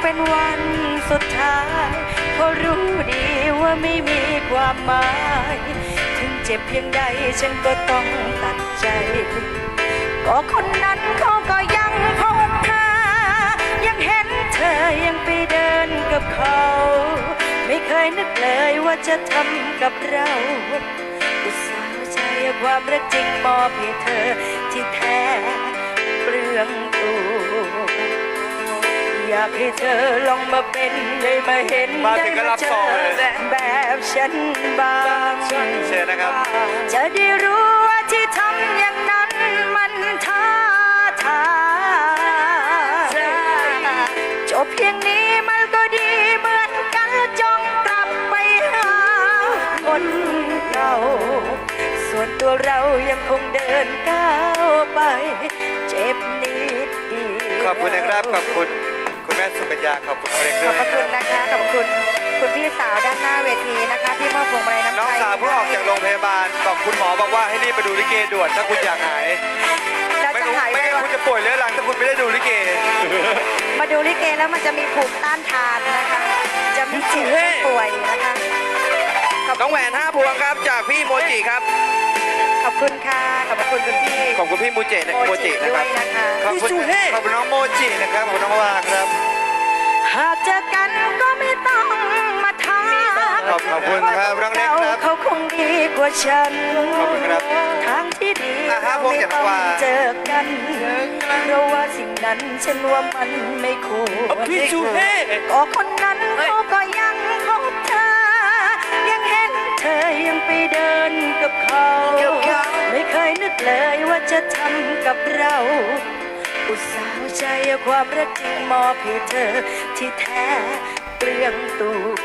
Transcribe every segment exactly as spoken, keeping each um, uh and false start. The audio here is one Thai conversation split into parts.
เป็นวันสุดท้ายเพราะรู้ดีว่าไม่มีความหมายถึงเจ็บเพียงใดฉันก็ต้องตัดใจก็คนนั้นเขาก็ยังพบเธอยังเห็นเธอยังไปเดินกับเขาไม่เคยนึกเลยว่าจะทำกับเราอุตส่าห์ใจความรักจริงมอบให้เธอที่แท้เปลืองตัวอยากให้เธอลองมาเป็นได้มาเห็นได้มาเจอแบบฉันบ้างเชิญนะครับจะได้รู้ว่าที่ทำอย่างนั้นมันท้าทายจบเพียงนี้มันก็ดีเหมือนกันจงกลับไปหาคนเก่าส่วนตัวเรายังคงเดินก้าวไปเจ็บนิดเดียวขอบคุณนะครับขอบคุณคุณแม่สุกัญญาขอบคุณเล็กด้วยขอบคุณนะคะขอบคุณคุณพี่สาวด้านหน้าเวทีนะคะที่มอบพวงมาลัยน้ำใจน้องสาวเพิ่งออกจากโรงพยาบาลบอกคุณหมอบอกว่าให้รีบไปดูลิเกด่วนถ้าคุณอยากหายไม่รู้ไม่งั้นคุณจะป่วยเรื้อรังถ้าคุณไม่ได้ดูลิเกมาดูลิเกแล้วมันจะมีภูมิต้านทานนะคะจะไม่เจ็บไม่ป่วยนะคะน้องแหวนห้าพวงครับจากพี่โมจิครับขอบคุณค่ะขอบคุณคุณพี่ขอบคุณพี่โมจินะโมจินะครับขอบคุณขอบคุณน้องโมจินะครับขอบคุณน้องวาครับหากเจอกันก็ไม่ต้องมาทักขอบคุณครับน้องเล็กครับเขาคงดีกว่าฉันขอบคุณครับทางที่ดีเราไม่ต้องเจอกันเพราะว่าสิ่งนั้นฉันว่ามันไม่ควรพี่ชูเฮ่ก็คนนั้นเขาก็ยังพบเธอยังเห็นเธอยังไปเดินกับเขาไม่เคยนึกเลยว่าจะทำกับเราอุตส่าห์ใจความรักจริงมอบให้เธอที่แท้เปลืองตัว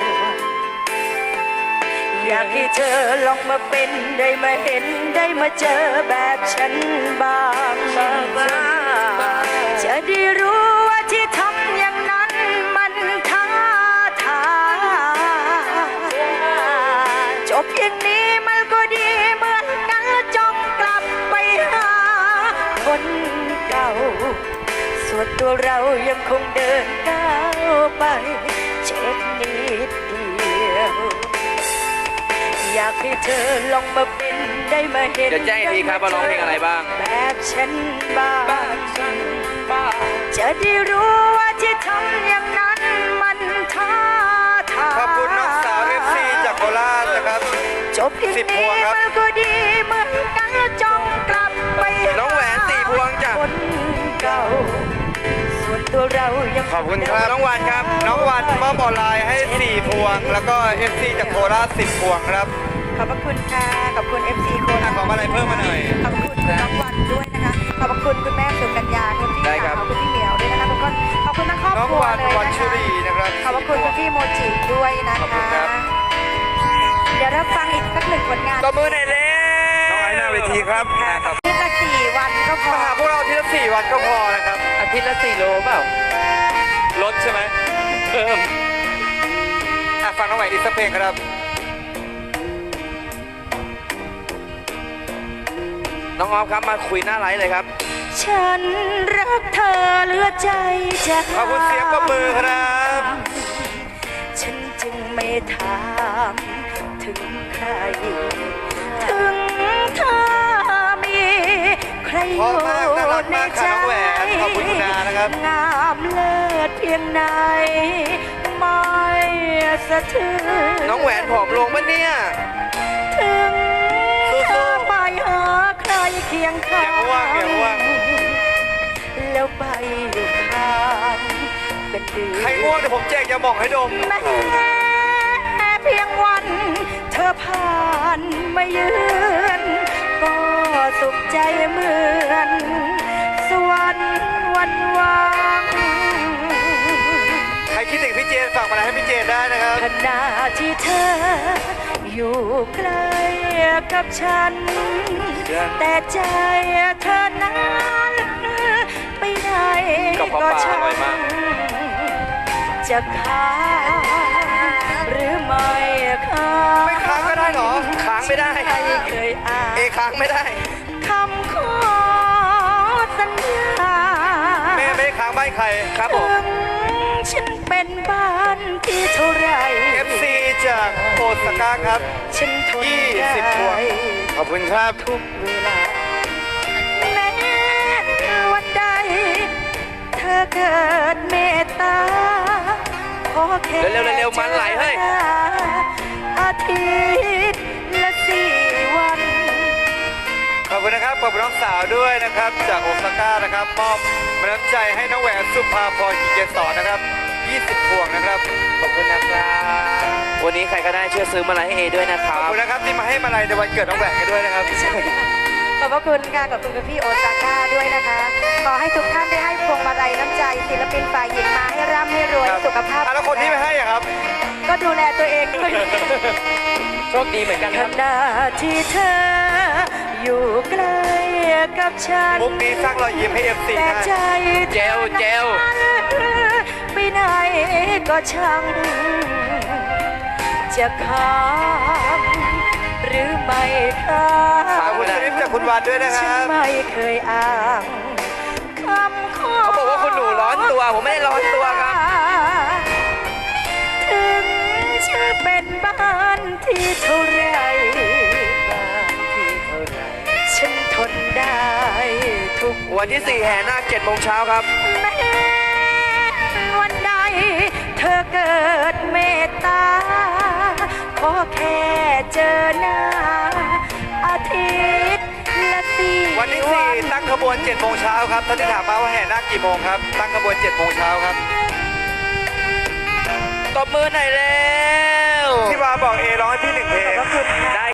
อยากให้เธอลองมาเป็นได้มาเห็นได้มาเจอแบบฉันบ้างจะได้รู้ว่าที่ทำอย่างนั้นมันท้าทายจบเพียงนี้มันก็ดีเหมือนกันจงกลับไปหาคนเก่าส่วนตัวเรายังคงเดินก้าวไปเจ็บนิดเดียวอยากให้เธอลองมาเป็นได้มาเห็นจะแจ้งอีกทีครับว่าร้องเพลงอะไรบ้างแบบฉันบ้างจะได้รู้ว่าที่ทำอย่างนั้นมันท้าทายขอบคุณน้องสาวเอฟซีจากโคราชนะครับจบเพียงนี้มันก็ดีเหมือนกันจงกลับไปน้องแหวนสี่พวงจากคนเก่าส่วนตัวเรายังขอบคุณครับน้องวันครับน้องวันมอบออนไลน์ให้สี่พวงแล้วก็เอฟซีจากโคราชสิบพวงครับขอบคุณค่ะขอบคุณเอฟซีโคราชขออะไรเพิ่มมาหน่อยขอบคุณน้องวันด้วยนะคะขอบคุณคุณแม่สุกัญญาคุณพี่สาวคุณพี่เหมียวด้วยนะคะขอบคุณขอบคุณทั้งครอบครัวเลยนะคะขอบคุณคุณพี่โมจิด้วยนะคะเดี๋ยวเราฟังอีกสักหนึ่งผลงานตบมือหน่อยเร็วน้องไอ้หน้าเวทีครับอาทิตย์ละสี่วันก็พอมาหาพวกเราอาทิตย์ละสี่วันก็พอนะครับอาทิตย์ละสี่โลเปล่าลดใช่ไหมเพิ่มอ่ะฟังน้องใหม่อีกสักเพลงครับน้องออฟครับมาคุยหน้าไลฟ์เลยครับฉันรักเธอเหลือใจจะขอบคุณเสียงปรบมือครับฉันจึงไม่ถามถึงใครถึงเธอมีใครอยู่ในใจขอบคุณคุณนานะครับงามเลิศเพียงไหนไม่สะเทือนน้องแหวนผอมลงปะเนี่ยถึงเธอไปหาใครเคียงข้างแล้วไปอยู่ข้างเป็นเดือนใครง่วงเดี๋ยวผมแจกยาหม่องให้ดมแม้เพียงวันเธอผ่านมาเยือนก็สุขใจเหมือนสวรรค์วันวางใครคิดถึงพี่เจนฝากมาให้พี่เจนได้นะครับขณะที่เธออยู่ใกล้กับฉันแต่ใจเธอนั้นไปไหนก็ช่างจะค้างหรือไม่ค้างไม่ค้างก็ได้หรอค้างไม่ได้เคยอ่านเอค้างไม่ได้คำขอสัญญาแม่ไม่ได้ค้างบ้านใครครับผมฉันเป็นบ้านที่เท่าไรเอฟ ซี จากโอซาก้าครับฉันทนยี่ได้สิบพวง ขอบคุณครับทุกเวลาแม้วันใด เธอเกิดเมตตาขอแค่เร็วๆเร็วๆมันไหลเฮ้ยอาทิตย์ละสี่วันขอบคุณนะครับ ขอบคุณน้องสาวด้วยนะครับ จากโอซาก้านะครับ มอบน้ำใจให้น้องแหวนสุภาพรกิจเกษรนะครับ ยี่สิบพวงนะครับขอบคุณนะครับ วันนี้ใครก็ได้ช่วยซื้อมาลัยให้เอด้วยนะคขรัอบบ คุณนะครับที่มาให้มาลัยในวันเกิดน้องแหวนกันด้วยนะครับขอบพระคุณค่ะขอบคุณคุณพี่โอซาก้าด้วยนะคะ ขอให้ทุกท่านได้ให้พวงมาลัยน้ำใจศิลปินฝ่ายหญิงมาให้ร่ำให้รวยครับสุขภาพอ่ะแล้วคนที่ไม่ให้อะครับก็ดูแลตัวเองด้วยโชคดีเหมือนกันขครับณะที่เธออยู่ใกล้กับฉันมุกนี้สร้างรอยยิ้มให้ เอฟ ซีแต่ได้ใจเจลเจลไปไหนก็ช่างจะค้างหรือไม่ค้าขอบงคุณสลิปจากคุณวานด้วยนะคฉัรันบไม่เคยอ้างคำขอเขาบอกว่าคุณหนูร้อนตัว ผมไม่ได้ร้อนตัวครับถึงจะเป็นบ้านที่เท่าไรบ้านที่เท่าไรฉันทนได้ทุกวันที่สี่แห่นาคเจ็ดโมงเช้าครับแม้วันใดเธอเกิดเมตตา ขอแค่เจอหน้า อาทิตย์ละสี่วันที่สี่ตั้งขบวนเจ็ดโมงเช้าครับท่านที่ถามมาว่าแห่นาคกี่โมงครับ ตั้งขบวนเจ็ดโมงเช้าครับตบมือหน่อยแล้วพี่วาบอกเอร้องให้พี่หนึ่งเพลงขอบพระคุณค่ะได้